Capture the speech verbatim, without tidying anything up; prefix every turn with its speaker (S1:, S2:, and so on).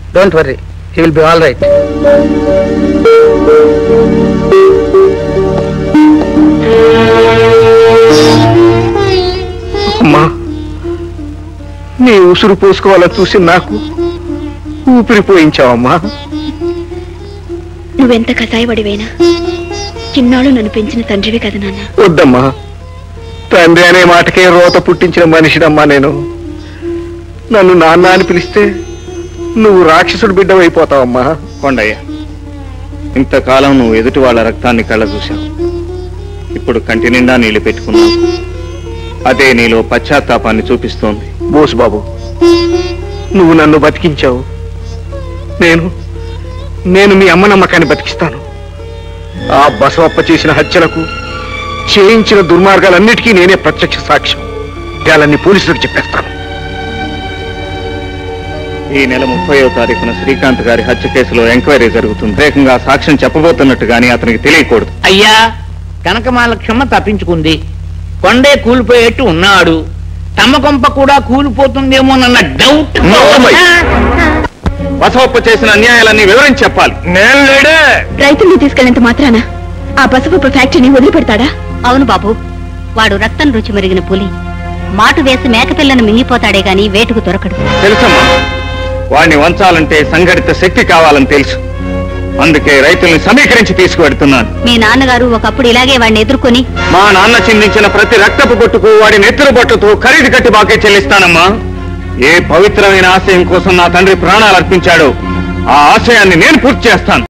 S1: Don't worry, he will be all right. అమ్మా, నీ ఉసురు పోసుకోవాలని చూసి నాకు ఊపిరి పోయించావమ్మా.
S2: నువ్వెంత కసాయపడివైనా చిన్నాళ్ళు నన్ను పెంచిన తండ్రివి కదా నాన్న.
S1: వద్దమ్మా, తండ్రి అనే మాటకే రోత పుట్టించిన మనిషినమ్మా నేను. నన్ను నాన్న అని పిలిస్తే నువ్వు రాక్షసుడు బిడ్డవైపోతావమ్మా.
S3: కొండయ్య, ఇంతకాలం నువ్వు ఎదుటి వాళ్ళ రక్తాన్ని కళ్ళ చూశావు, ఇప్పుడు కంటి నిండా నీళ్లు పెట్టుకున్నావు. అదే నీలో పశ్చాత్తాపాన్ని చూపిస్తోంది.
S1: బోసు బాబు, నువ్వు నన్ను బతికించావు, నేను నేను మీ అమ్మ నమ్మకాన్ని బతికిస్తాను. ఆ బసవప్ప చేసిన హత్యలకు, చేయించిన దుర్మార్గాలన్నిటికీ నేనే ప్రత్యక్ష సాక్ష్యం. వాళ్ళని పోలీసులకు చెప్పేస్తాను.
S3: ఈ నెల ముప్పయో తారీఖున శ్రీకాంత్ గారి హత్య కేసులో ఎంక్వైరీ జరుగుతుంది. వేగంగా సాక్ష్యం చెప్పబోతున్నట్టు గానీ అతనికి తెలియకూడదు.
S4: అయ్యా, కనకమాల క్షమ తప్పించుకుంది. కొండే కూలిపోయేట్టు ఉన్నాడు. తమ కొంప కూడా కూలిపోతుందేమోనన్న డౌట్.
S3: బసవప్ప చేసిన అన్యాయాలన్నీ వివరించి చెప్పాలి.
S1: నేను లేడే.
S2: రైతుల్ని తీసుకెళ్లేంత మాత్రాన ఆ పసుపు ఫ్యాక్టరీని వదిలిపెడతాడా?
S5: అవును బాబు, వాడు రక్తం రుచి మరిగిన పులి. మాటు వేసి మేకపిల్లను మింగిపోతాడే గాని వేటుకు దొరకడు.
S3: తెలుసమ్మా, వాడిని వంచాలంటే సంఘటిత శక్తి కావాలని తెలుసు. అందుకే రైతుల్ని సమీకరించి తీసుకువెడుతున్నాను.
S5: మీ నాన్నగారు ఒకప్పుడు ఇలాగే వాడిని ఎదుర్కొని,
S3: మా నాన్న చిందించిన ప్రతి రక్తపు బొట్టుకు వాడి నెత్తురు బొట్టుతో ఖరీదు కట్టి బాకే చెల్లిస్తానమ్మా. ఏ పవిత్రమైన ఆశయం కోసం నా తండ్రి ప్రాణాలు అర్పించాడో ఆ ఆశయాన్ని నేను పూర్తి చేస్తాను.